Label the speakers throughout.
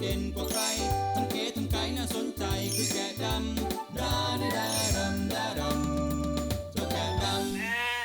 Speaker 1: เด่นกว่าใครทั้งเก๋ทั้งไก่น่าสนใจคือแกะดำดาดาดาดำดาดำเจ้าแกะดำ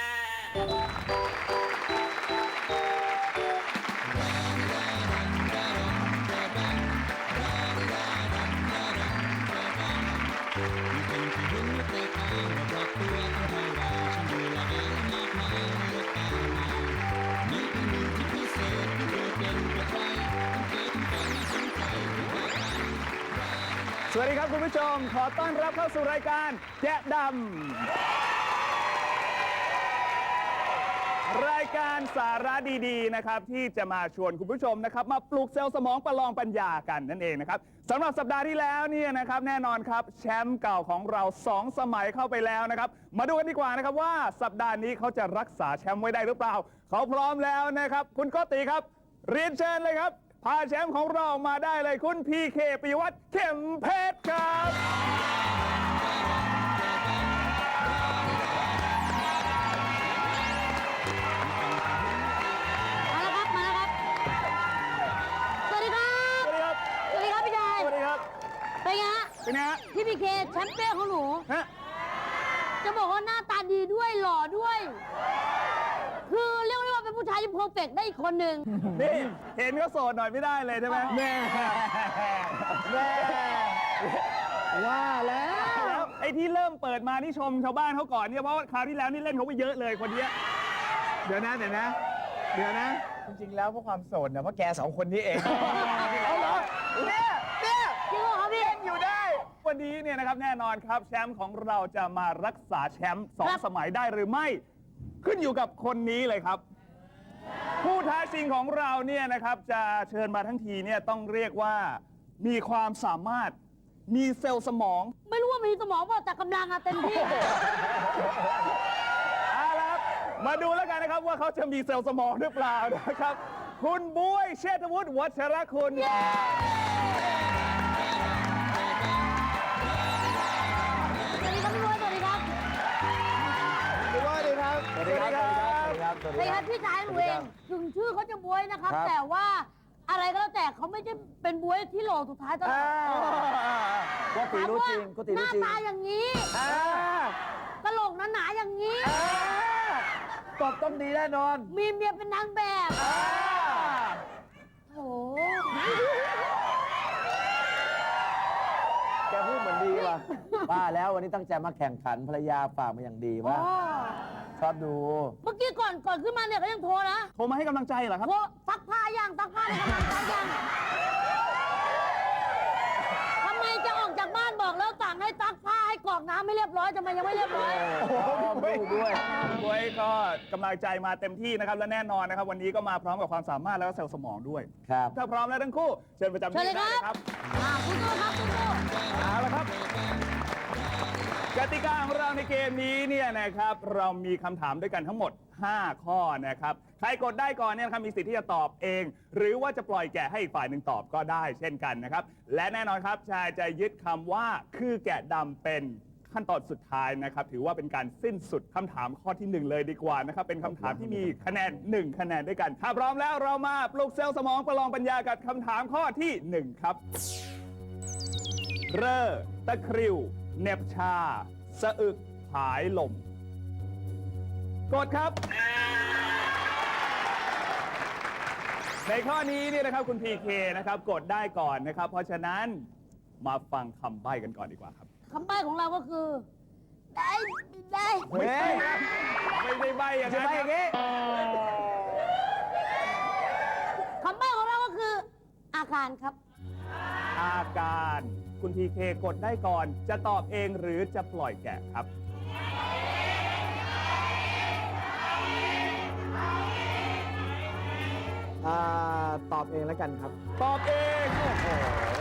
Speaker 2: สวัสดีครับคุณผู้ชมขอต้อนรับเข้าสู่รายการแกะดำรายการสาระดีๆนะครับที่จะมาชวนคุณผู้ชมนะครับมาปลุกเซลล์สมองประลองปัญญากันนั่นเองนะครับสำหรับสัปดาห์ที่แล้วเนี่ยนะครับแน่นอนครับแชมป์เก่าของเรา2 สมัยเข้าไปแล้วนะครับมาดูกันดีกว่านะครับว่าสัปดาห์นี้เขาจะรักษาแชมป์ไว้ได้หรือเปล่าเขาพร้อมแล้วนะครับคุณโกติครับเรียนเชิญเลยครับพาแชมป์ของเรามาได้เลยคุณพีเคปิยวัฒน์เข็มเพชรครับ
Speaker 3: มาแล้วครับสวัสดีครับ
Speaker 2: สวัสดีครับ
Speaker 3: สวัสดีครับพี่ชาย
Speaker 2: สวัสดีครับ
Speaker 3: เป็นไงฮะ
Speaker 2: เป็นไงฮะ
Speaker 3: พี่พีเคแชมป์เปี้ยนของหนู
Speaker 2: ฮะ
Speaker 3: จะบอกว่าหน้าตาดีด้วยหล่อด้วย คือเรียกได้ว่าเป็นผู้ชายที่เพอร์เฟกต์ได้อีกคนหนึ่ง
Speaker 2: นี่เห็นก็โสดหน่อยไม่ได้เลยใช่ไหมแม่ว่าแล้วไอ้ที่เริ่มเปิดมานี่ชมชาวบ้านเขาก่อนเนี่ยเพราะว่าคราวที่แล้วนี่เล่นเขาไปเยอะเลยคนเนี้ยเดี๋ยวนะจริงๆแล้วเพราะความโสดนะเพราะแก2 คนนี้เองเอาเหรอเนี่ย
Speaker 3: จริงเหรอครับพี่
Speaker 2: เล่นอยู่ได้ วันนี้เนี่ยนะครับแน่นอนครับแชมป์ของเราจะมารักษาแชมป์2 สมัยได้หรือไม่ขึ้นอยู่กับคนนี้เลยครับ ผู้ท้าชิงของเราเนี่ยนะครับจะเชิญมาทั้งทีเนี่ยต้องเรียกว่ามีความสามารถมีเซลล์สมอง
Speaker 3: ไม่รู้ว่ามีสมองเปล่าแต่กำลังอะเต็มที่
Speaker 2: เอาละครับมาดูแล้วกันนะครับว่าเขาจะมีเซลล์สมองหรือเปล่านะครับ คุณบ๊วยเชษฐวุฒิวัชรคุณ
Speaker 3: สวัสดีครับพี่บอยสวัสดีครับ
Speaker 2: สวัสดีครับสวัสดีครับ
Speaker 3: สวัสดีครับพี่ชายหนูเองถึงชื่อเขาจะบวยนะครับ แต่ว่าอะไรก็แล้วแต่เขาไม่ใช่เป็นบวยที่หล่อสุดท้ายตลอด
Speaker 4: ก็ตีรู้จริงก็ตี
Speaker 3: ห
Speaker 4: รู้
Speaker 3: น้า
Speaker 4: จริง
Speaker 3: ตาอย่างนี้กระโหลกหนาๆอย่างนี้
Speaker 4: ตอบต้องดีแน่นอน
Speaker 3: มีเมียเป็นนางแบบโอ้
Speaker 4: แกพูดเหมือนดีว่ะว่าแล้ววันนี้ตั้งใจมาแข่งขันภรรยาฝากมาอย่างดีว่าชอบดู
Speaker 3: เมื่อกี้ก่อนขึ้นมาเนี่ยก็ยังโทรนะ
Speaker 2: โทรมาให้กำลังใจเหรอครับ
Speaker 3: โทรซักผ้าย่างซักผ้าในกำลังซักย่างทำไมจะออกจากบ้านบอกแล้วสั่งให้ซักผ้าให้กรอกน้ำไม่เรียบร้อยทำไมยังไม่เรียบร้อย
Speaker 4: ดูด้วย
Speaker 2: คุณบ๊วยก็กำลังใจมาเต็มที่นะครับและแน่นอนนะครับวันนี้ก็มาพร้อมกับความสามารถแล้วก็เซลล์สมองด้วย
Speaker 4: ครับ
Speaker 2: ถ้าพร้อมแล้วทั้งคู่เชิญประจำ
Speaker 3: เชิญ
Speaker 2: ที่
Speaker 3: เลย
Speaker 2: ได้
Speaker 3: ค
Speaker 2: เลยค
Speaker 3: รั
Speaker 2: รั
Speaker 3: บบ คุณตู้ครับคุณตู้
Speaker 2: เอาละครับกติกาของเราในเกมนี้เนี่ยนะครับเรามีคำถามด้วยกันทั้งหมด 5 ข้อนะครับใครกดได้ก่อนเนี่ยนะครับมีสิทธิ์ที่จะตอบเอง หรือว่าจะปล่อยแกะให้อีกฝ่ายหนึ่งตอบก็ได้เช่นกันนะครับและแน่นอนครับชายจะยึดคำว่าคือแกะดำเป็นขั้นตอนสุดท้ายนะครับถือว่าเป็นการสิ้นสุดคำถามข้อที่ 1 เลยดีกว่านะครับเป็นคำถามที่มีคะแนน1 คะแนนด้วยกันถ้าพร้อมแล้วเรามาปลุกเซลล์สมองประลองปัญญากับคำถามข้อที่ 1 ครับเร่อตะคริวเหน็บชาสะอึกผายลมกดครับ ในข้อนี้เนี่ยนะครับคุณพีเคนะครับกดได้ก่อนนะครับเพราะฉะนั้นมาฟังคำใบ้กันก่อนดีกว่าครับ
Speaker 3: คำใบ้ของเราก็คือ ได้
Speaker 2: ไม่ใช่ครับไม่ได้ใบ้อย่างนั้นครับ
Speaker 3: คำใบ้ของเราก็คือ อาการครับ
Speaker 2: อาการคุณพีเคกดได้ก่อนจะตอบเองหรือจะปล่อยแกะครับ
Speaker 4: ตอบเองแล้วกันครับ
Speaker 2: ตอบเองโอ้โห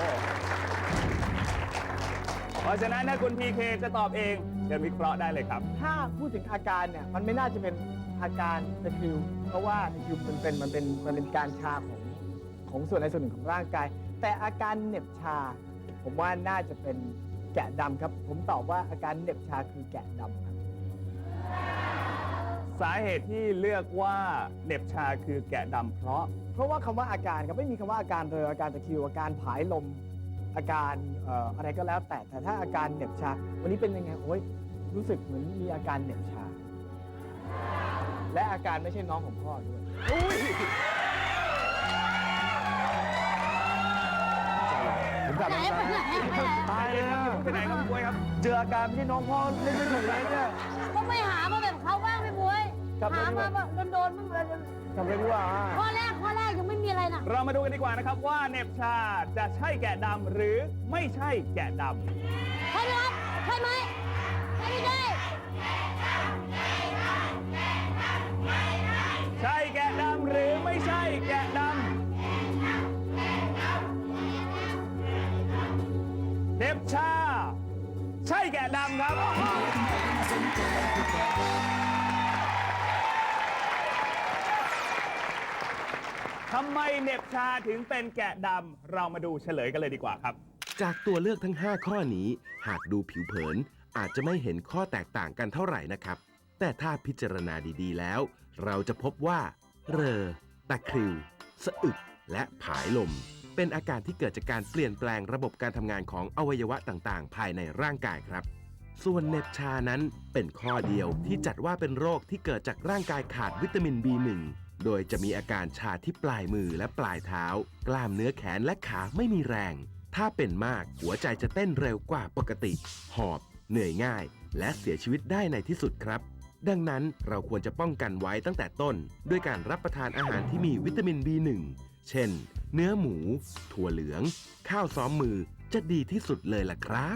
Speaker 2: เพราะฉะนั้นถ้าคุณพีเคจะตอบเองเชิญวิเคราะห์ได้เลยครับ
Speaker 5: ถ้าพูดถึงอาการเนี่ยมันไม่น่าจะเป็นอาการตะคริวเพราะว่าตะคริวมันเป็นการชาของส่วนใดส่วนหนึ่งของร่างกาย แต่อาการเหน็บชา ผมว่าน่าจะเป็นแกะดำครับ ผมตอบว่าอาการเหน็บชาคือแกะดำครับ
Speaker 2: สาเหตุที่เลือกว่าเหน็บชาคือแกะดำเพราะ
Speaker 5: ว่าคำว่าอาการครับไม่มีคำว่าอาการเรออาการตะคริวอาการผายลมอาการอะไรก็แล้วแต่ถ้าอาการเหน็บชาวันนี้เป็นยังไงโอ้ยรู้สึกเหมือนมีอาการเหน็บชา และอาการไม่ใช่น้องของพ่อด้วย
Speaker 4: ผมกลับ
Speaker 3: ไหน
Speaker 4: มา
Speaker 3: ไปไหนไปไหน
Speaker 4: ตายเลยนะ
Speaker 2: ไปไหนครับคุณบวยครับ
Speaker 4: เจออาการไม่ใช่น้องพ่อเล่นไม่ถูกเลยเนี่ย
Speaker 3: ก็ไม่หามาแบบเขาบ้างพี่บวย
Speaker 4: กลับ
Speaker 3: หา
Speaker 4: มาดีก
Speaker 3: มา
Speaker 4: ว่า
Speaker 3: แบบโดนๆบ้างเลย
Speaker 4: ทำเลยดีกว่า
Speaker 3: ข้อแรกยังไม่มีอะไรนะ
Speaker 2: เรามาดูกันดีกว่านะครับว่าเหน็บชาจะใช่แกะดำหรือไม่ใช่แกะด
Speaker 3: ใช่ไหมครับใช่ไหมใช่ไม่ใช่
Speaker 2: ำใช่แกะดำหรือไม่ใช่แกะดำเหน็บชา ใช่แกะดำครับ ทำไมเหน็บชาถึงเป็นแกะดำเรามาดูเฉลยกันเลยดีกว่าครับ
Speaker 6: จากตัวเลือกทั้ง 5 ข้อนี้ หากดูผิวเผิน อาจจะไม่เห็นข้อแตกต่างกันเท่าไหร่นะครับ แต่ถ้าพิจารณาดีๆแล้ว เราจะพบว่า เรอ ตะคริว สะอึก และผายลม เป็นอาการที่เกิดจากการเปลี่ยนแปลงระบบการทำงานของอวัยวะต่างๆ ภายในร่างกายครับ ส่วนเหน็บชานั้นเป็นข้อเดียวที่จัดว่าเป็นโรคที่เกิดจากร่างกายขาดวิตามิน B1 โดยจะมีอาการชาที่ปลายมือและปลายเท้า กล้ามเนื้อแขนและขาไม่มีแรง ถ้าเป็นมากหัวใจจะเต้นเร็วกว่าปกติ หอบ เหนื่อยง่าย และเสียชีวิตได้ในที่สุดครับ ดังนั้นเราควรจะป้องกันไว้ตั้งแต่ต้น ด้วยการรับประทานอาหารที่มีวิตามิน B1 เช่น เนื้อหมู ถั่วเหลือง ข้าวซ้อมมือจะดีที่สุดเลยล่ะครับ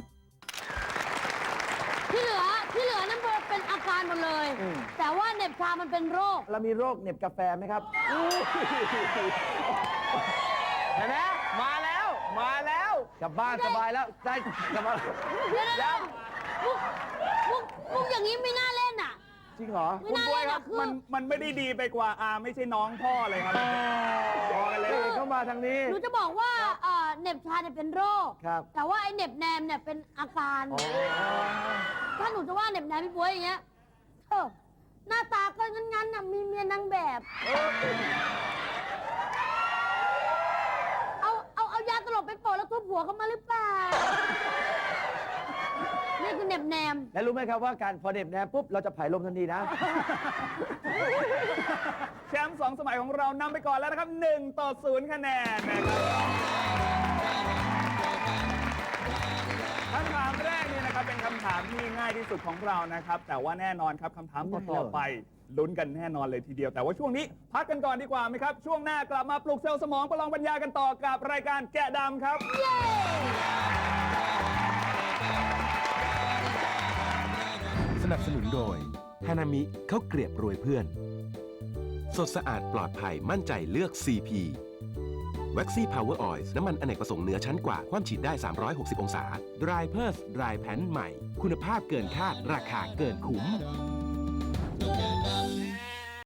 Speaker 3: ที่เหลือนั่นเป็นอาการหมดเลย แต่ว่าเหน็บชามันเป็นโรค
Speaker 4: เรามีโรคเหน็บกาแฟไหมครับ
Speaker 5: เห็นไหมมาแล้ว
Speaker 4: กลับบ้านสบายแล้วได้กลับมา
Speaker 3: เดี๋ยวมุกอย่างนี้ไม่น่าเล่นอ่ะ
Speaker 4: จริงเหรอ
Speaker 3: ไม่
Speaker 2: คุณ
Speaker 3: น่า
Speaker 2: บวย
Speaker 3: เล่น
Speaker 2: ครั
Speaker 3: อ่ะ
Speaker 2: บ
Speaker 3: คือ
Speaker 2: มันไม่ได้ดีไปกว่าไม่ใช่น้องพ่อเลยครับพอกันเลย
Speaker 4: เข้ามาทางนี้
Speaker 3: หนูจะบอกว่าเหน็บชาเนี่ยเป็นโรค
Speaker 4: ครับ
Speaker 3: แต่ว่าไอ้เหน็บแนมเนี่ยเป็นอาการ ถ้าหนูจะว่าเหน็บแนมพี่บวยอย่างเงี้ยหน้าตาก็งั้นๆน่ะมีเมียนางแบบ เอายาตลบไปโปะแล้วทุบหัวเขามาหรือเปล่า นี่คือเหน็บแนม
Speaker 4: และรู้ไหมครับว่าการพอเหน็บแนมปุ๊บเราจะผายลมทันทีนะ
Speaker 2: แชมป์2 สมัยของเรานำไปก่อนแล้วนะครับ1-0 คะแนนนะครับคำถามแรกเนี่ยนะครับเป็นคำถามที่ง่ายที่สุดของเรานะครับ แต่ว่าแน่นอนครับคำถามต่อๆไปลุ้นกันแน่นอนเลยทีเดียว แต่ว่าช่วงนี้พักกันก่อนดีกว่าไหมครับ ช่วงหน้ากลับมาปลุกเซลล์สมองประลองปัญญากันต่อกับรายการแกะดำครับ
Speaker 6: สนับสนุนโดยฮานามิข้าวเกรียบรวยเพื่อน สดสะอาดปลอดภัยมั่นใจเลือก CP Waxy Power Oil น้ำมันอเนกประสงค์เหนือชั้นกว่าความฉีดได้ 360 องศา Dry p e r s Dry Pan ใหม่ คุณภาพเกินคาดราคาเกินคุ้ม
Speaker 1: เจ้าแกะด